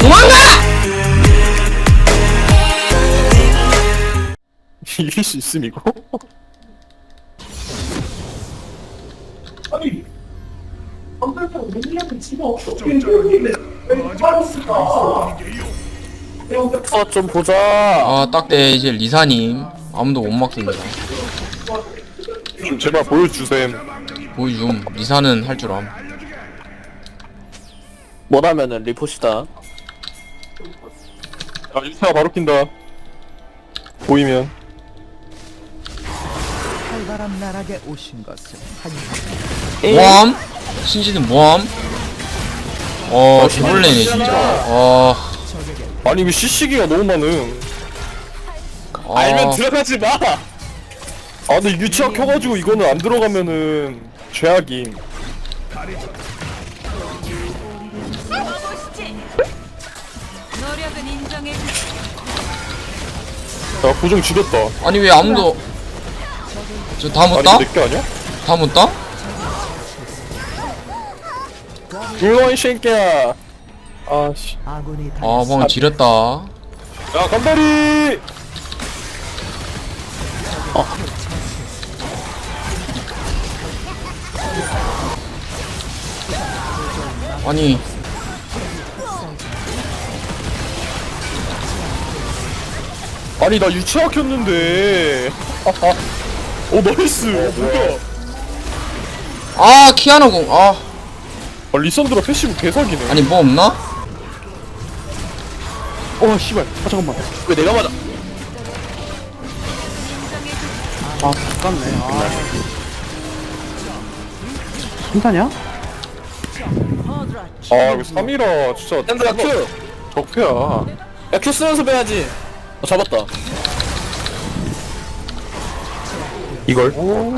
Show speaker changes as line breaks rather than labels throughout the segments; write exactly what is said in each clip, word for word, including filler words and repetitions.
도망가!
이길 수 있음 이거?
아니 안달타고 맨날 집어 왜 빠졌을까?
아, 좀 보자.
아 딱대 이제 리사님 아무도 못 막습니다.
좀 제발 보여주셈.
보여줌. 리사는 할 줄 암.
뭐라면은 리포시다.
아, 일타가 바로 낀다. 보이면.
활발한 나락에 오신 것을 환영합니다.
모함? 신지는 모함? 어 개벌레네 진짜. 어...
아니 이거 씨씨기가 너무 많음.
아...
알면 들어가지 마.
아 근데 유치학 켜가지고 이거는 안 들어가면은 죄악임.
노력은 인정해 주시.
야 고정 지렸다.
아니 왜 아무도 저 다 못
아니
따?
내게 아니야?
다 못 따?
물론 이 새끼야. 아씨.
아군이
아
당했습니다.
방금 지렸다.
야 간다리.
아니
아니 나 유치학 켰는데. 하하. 오 나이스. 뭐야?
아 키아노 공. 아
아 리선드라 패시브 개사기네.
아니 뭐 없나?
어 씨발. 아 잠깐만.
왜 내가 맞아?
아, 아깝네. 아. 칭찬이야?
아 이거 삼이라 진짜.
샌드라 큐.
적폐야.
야 큐 쓰면서 빼야지. 어 잡았다.
이걸? 오.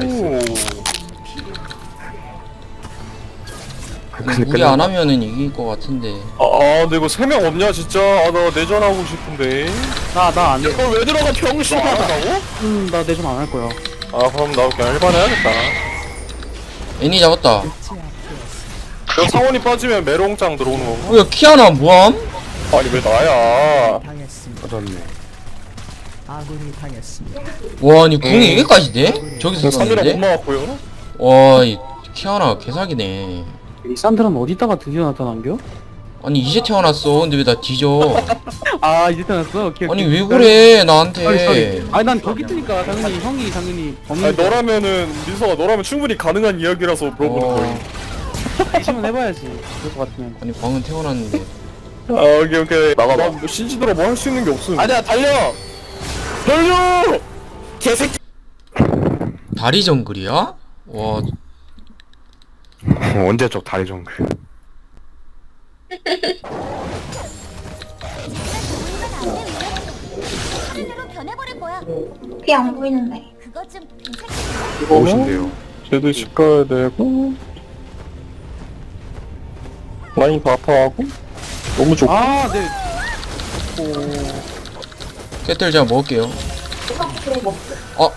무리 안 하면은 이길 것 같은데.
아 근데 이거 세 명 없냐 진짜. 아 나 내전하고 싶은데.
나, 나 안 돼.
어 왜 들어가 병신아.
나가고?
음, 나 내전 안 할 거야.
아 그럼 나 그냥 일반 해야겠다.
애니 잡았다.
여 상원이 빠지면 메롱짱 들어오는 거고.
뭐야 키아노 모함?
아니 왜 나야?
당했습니다.
맞았네.
아군이 당했습니다.
와 아니 궁이 여기까지 돼? 저기서
삼이라 못
썼는데?
막았고요.
와이 키아나 개사기네.
이 산드라는 어디다가 드디어 나타난겨?
아니 이제 태어났어. 근데 왜 나 뒤져?
아, 이제 태어났어? 오케이,
아니
오케이.
왜 그래
쏘리,
나한테?
쏘리. 아니, 난 거기 있으니까 당연히 형이 당연히
아니
없는 거
너라면은 민서가 너라면 충분히 가능한 이야기라서 물어보는 거임.
어,
시면 해봐야지. 그럴 것 같으면.
아니 방금 태어났는데.
아 오케이 오케이.
나가봐.
나뭐 신지들아 뭐 할 수 있는 게 없음.
아니야 달려.
달려!
개새끼.
다리 정글이야? 와
언제 적 다리 정글?
변해버릴 거야.
귀 안 보이는데.
그거 좀 괜찮.
무엇인데요? 쟤도 집 가야 되고 라인 다 아파하고 너무 좋고.
아, 네.
깨틀 제가 먹을게요. 어?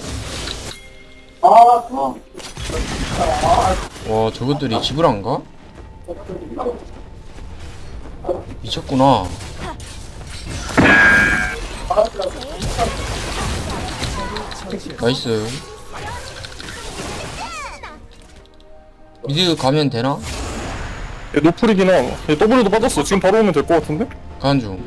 와 저것들이 집을 안 가? 미쳤구나. 나이스. 미드 가면 되나?
얘 노플이긴 함. 얘 더블에도 빠졌어. 지금 바로 오면 될 것 같은데?
가는 중.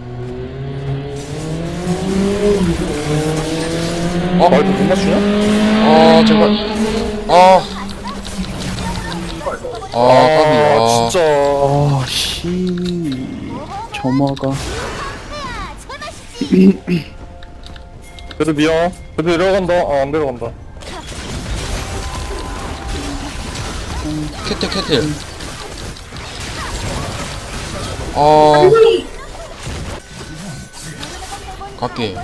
아 말도 못 맞추냐?
아 제발. 아. 아 까비.
아
아
진짜.
아, 씨. 점화가.
그래도 미안. 그래도 내려간다. 아 안 내려간다.
캐틀 캐틀. 아 갈게.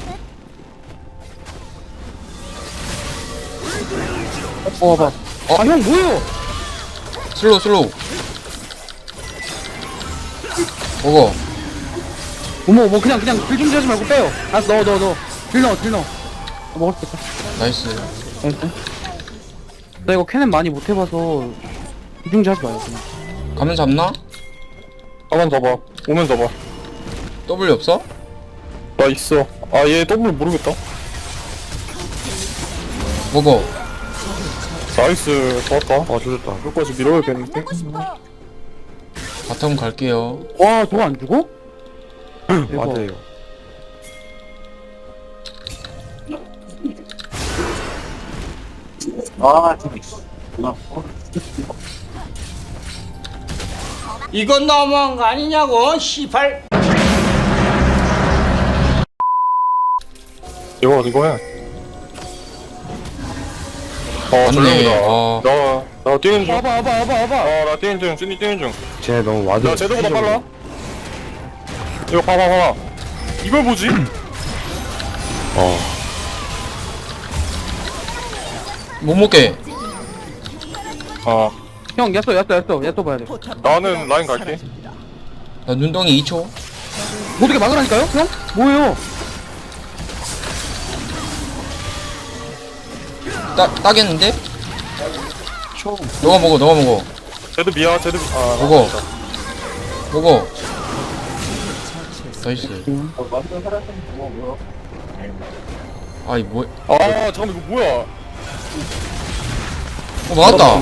어, 봐.
어?
아, 형, 뭐야?
슬로우 슬로우. 먹어.
어머, 뭐, 그냥, 그냥, 길 준비하지 말고 빼요. 알았어, 넣어, 넣어, 넣어. 길 넣어, 길 넣어. 아, 먹을 수 있다.
나이스.
알았어. 나 이거 캐넨 많이 못 해봐서, 이중지 하지 마요, 그냥.
가면 잡나?
가만 잡아. 오면 잡아.
W 없어?
나 있어. 아 얘 더블 모르겠다.
먹어.
나이스 좋았다. 아 조졌다. 여기까지 밀어야겠는데.
만나고 싶어요.
바텀 갈게요.
와 저거 안 죽어?
맞아요.
이건 너무한 거 아니냐고, 시발.
이거 이거 해. 어
맞네.
전령이다.
어.
나나 뛰는 중.
와봐 와봐 와봐 와봐.
어나 뛰는 중. 찐이 뛰는 중.
쟤 너무 와드.
나 쟤들보다 빨라. 이거 봐봐 봐봐. 이걸 보지?
어.
못 먹게.
아
형 야쏘 야쏘 야쏘 야쏘 봐야 돼.
나는 라인 갈게.
나 눈덩이 이 초.
어떻게 막으라니까요? 형? 뭐예요?
따, 따겠는데? 너가 먹어, 너가 먹어.
쟤들 미야 쟤들 미- 아
먹어. 먹어. 나이스. 아이, 뭐,
아 잠깐만 이거 뭐야?
어, 맞았다.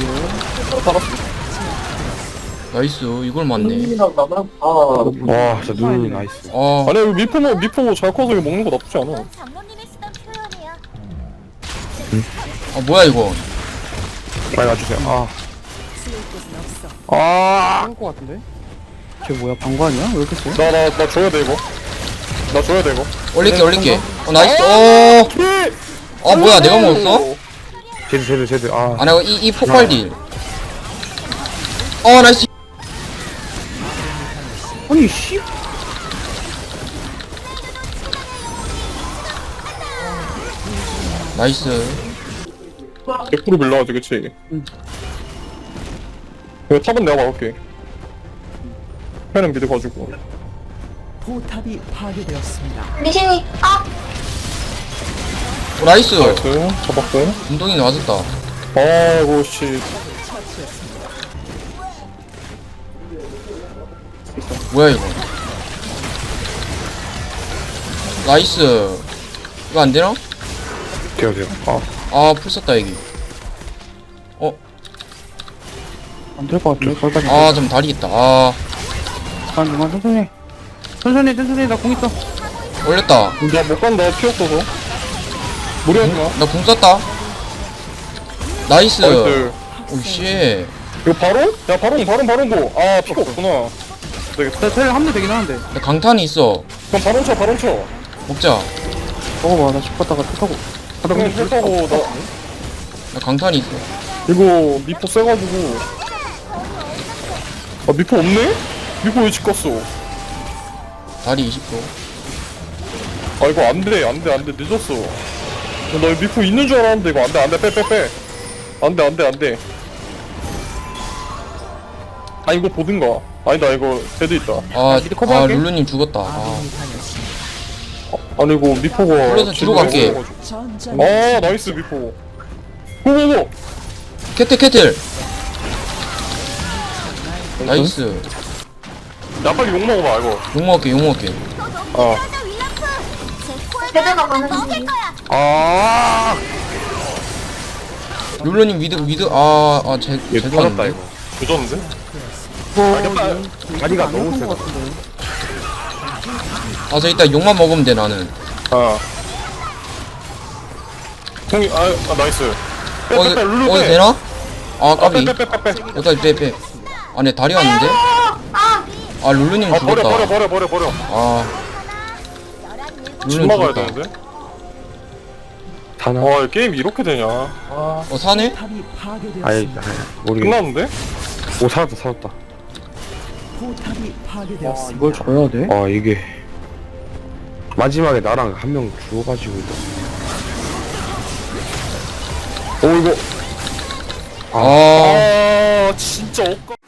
나이스, 이걸 맞네.
와, 진짜 눈 나이스.
아,
아니 이거 미포 뭐 미포 잘 커서 이거 먹는 거 나쁘지 않아.
그건 장로님이 쓰던 표현이야.
아, 뭐야, 이거.
빨리 와주세요. 아,
아. 한거 같은데? 쟤 뭐야 방관이야? 왜 이렇게 세?
나 나 나 줘야 돼 이거. 나 줘야 돼 이거.
올릴게, 올릴게. 어, 나이스. 어, 아, 뭐야, 내가 먹었어?
쟤들, 쟤들, 쟤들. 아,
아, 내가 이, 이 폭발 딜. 어, 나이스.
아니 씨.
나이스.
백 퍼센트 밀려가지고 그치?
응.
이거 탑은 내가 막을게. 패는 미드 가지고.
포탑이 파괴되었습니다.
리신이 아
어, 나이스.
나이스 잡았고.
운동이 맞았다.
아이고 씨.
뭐야, 이거. 나이스. 이거 안 되나?
돼요, 돼요. 아,
아, 풀 썼다, 여기. 어,
안 될 것 같은데? 거기까지.
아, 좀 다리겠다. 아,
잠깐 잠깐 천천히. 천천히 천천히 나 공 있어.
올렸다.
나 못 간다 피 없어서. 무리하지 마.
나 궁 썼다. 나이스.
나이스.
오, 씨.
이거 바로? 야 바로 바로 바로 고. 아 피가 없구나. 되겠다.
나 텔 함대 되긴 하는데.
나 강탄이 있어.
그럼 바로 쳐 바로 쳐.
먹자.
먹어봐 나 집 갔다가 텔 타고. 아, 나
그냥
근데
텔 타고 나
나 강탄이 있어.
이거 미포 세가지고. 아 미포 없네? 미포 왜 집 갔어?
다리 이십 도.
아 이거 안돼 안돼 안돼 늦었어. 나 이거 미포 있는 줄 알았는데 이거 안돼 안돼 빼 빼 빼. 안돼 안돼 안돼. 아 이거 보든가. 아니다 이거 제드 있다.
아,
미드
아,
커버할게.
룰루님 죽었다. 아,
아군이 당했습니다.
아니 이거 미포가.
불러서 뒤로 갈게.
전장
아 나이스 미포. 고고고.
캐틀, 캐틀. 나이스.
야 빨리 욕 먹어봐 이거.
욕 먹을게, 욕 먹을게.
아.
제대가 먹을 거야.
아,
룰루님 미드, 미드. 아, 아, 제,
얘
제도
터졌다,
왔는데.
이거.
조졌는데?
다리가 너무 세다.
아, 저 이따 욕만 먹으면 돼, 나는.
아. 형이 아, 아 나이스. 빼
어,
빼 빼 룰루
어,
빼.
되나? 아, 까비.
빼 빼 빼 빼 빼.
여기까지 빼, 빼. 아, 내 다리 왔는데? 아, 룰루님
아 버려 버려
죽었다.
버려 버려 버려.
아,
집
룰루님
막아야
죽었다.
되는데.
다나?
아 게임 이렇게 되냐? 아
어, 사네?
포탑이 파괴되었습니다.
아이, 아이, 모르겠네.
끝났는데?
오, 살았다, 살았다.
포탑이
와
파괴되었습니다.
이걸 줘야 돼?
아, 이게. 마지막에 나랑 한 명 죽어가지고. 오, 이거.
아,
아 진짜 억까.